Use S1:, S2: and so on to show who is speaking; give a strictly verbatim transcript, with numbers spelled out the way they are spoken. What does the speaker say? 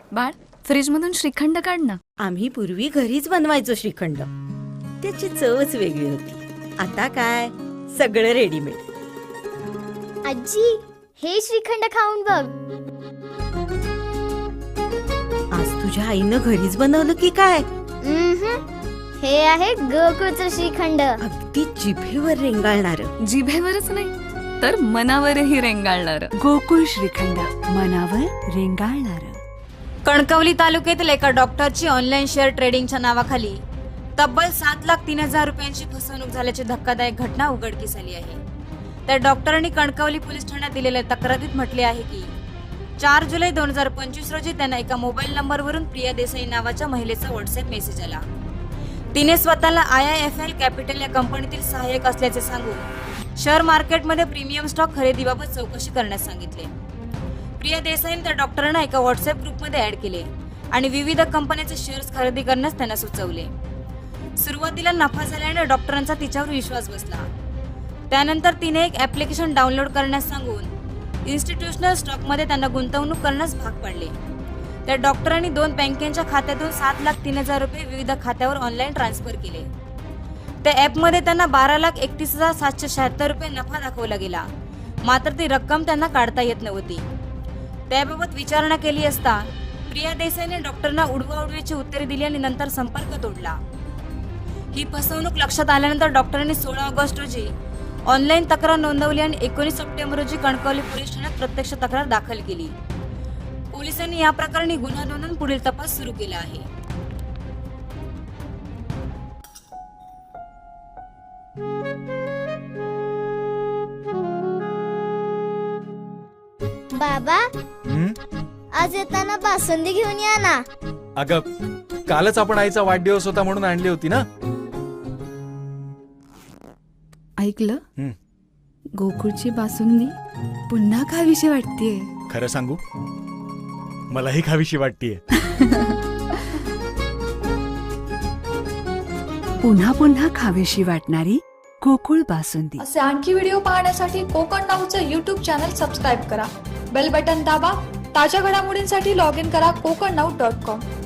S1: बाळ, फ्रीज मधून श्रीखंड काढ ना.
S2: आम्ही पूर्वी घरीच बनवायचो श्रीखंड. त्याची चवच वेगळी होती. आता काय सगळं रेडीमेड.
S3: आजी, हे श्रीखंड खाऊन बघ.
S2: आज तुझ्या आईनं घरीच बनवलं की काय?
S3: उम्हम. हे आहे गोकुळचं श्रीखंड.
S2: अगदी जिभेवर रेंगाळणार.
S1: जिभेवरच नाही तर मनावरही रेंगाळणार.
S4: गोकुळ श्रीखंड, मनावर रेंगाळणार.
S5: कणकवली तालुक्यातील एका डॉक्टरची ऑनलाईन शेअर ट्रेडिंगच्या नावाखाली तब्बल सात लाख तीन हजार रुपयांची फसवणूक झाल्याची धक्कादायक घटना उघडकीस आली आहे. त्या डॉक्टरांनी कणकवली पोलीस ठाण्यात दिलेल्या तक्रारीत म्हटले आहे की चार जुलै दोन हजार पंचवीस रोजी त्यांना एका मोबाईल नंबरवरून प्रिया देसाई नावाच्या महिलेचा व्हॉट्सअप मेसेज आला. तिने स्वतःला I I F L capital या कंपनीतील सहाय्यक असल्याचे सांगून शेअर मार्केटमध्ये प्रीमियम स्टॉक खरेदीबाबत चौकशी करण्यास सांगितले. प्रिया देसाईने त्या डॉक्टरांना एका व्हॉट्सअप ग्रुपमध्ये ऍड केले आणि विविध कंपन्यांचे शेअर्स खरेदी करण्यास त्यांना सुचवले. सुरुवातीला नफा झाल्याने डॉक्टरांचा तिच्यावर विश्वास बसला. त्यानंतर तिने एक ऍप्लिकेशन डाउनलोड करण्यास सांगून इन्स्टिट्यूशनल स्टॉकमध्ये त्यांना गुंतवणूक करण्यास भाग पाडले. त्या डॉक्टरांनी दोन बँकेच्या खात्यातून सात लाख तीन हजार रुपये विविध खात्यावर ऑनलाईन ट्रान्सफर केले. त्या ॲपमध्ये त्यांना बारा लाख एकतीस हजार सातशे शहात्तर रुपये नफा दाखवला गेला. मात्र ती रक्कम त्यांना काढता येत नव्हती. त्याबाबत विचारणा केली असता प्रिया देसाईने डॉक्टरांना उडवाउडवीची उत्तरे दिली आणि नंतर संपर्क तोडला. ही फसवणूक लक्षात आल्यानंतर डॉक्टरांनी सोळा ऑगस्ट रोजी ऑनलाईन तक्रार नोंदवली आणि एकोणीस सप्टेंबर रोजी कणकवली पोलीस ठाण्यात प्रत्यक्ष तक्रार दाखल केली. पोलिसांनी या प्रकरणी गुन्हा नोंदवून पुढील तपास सुरू केला आहे.
S3: बाबा,
S6: हं?
S3: आज येताना बासुंदी घेऊन या ना.
S6: अगं, कालच आपण आईचा वाढदिवस होता म्हणून आणली होती ना.
S1: ऐकलं?
S6: हं.
S1: गोकुळची बासुंदी पुन्हा खावीशी वाटतेय.
S6: खरं सांगू, मलाही खावीशी वाटतीये.
S4: पुन्हा पुन्हा खावीशी वाटणारी गोकुळ बासुंदी.
S7: असे आणखी व्हिडिओ पाहण्यासाठी कोकण नाऊचं यूट्यूब चॅनल सबस्क्राईब करा. बेल बटन दाबा. ताज्या घडामोडींसाठी लॉग इन करा कोकण नाऊ डॉट कॉम.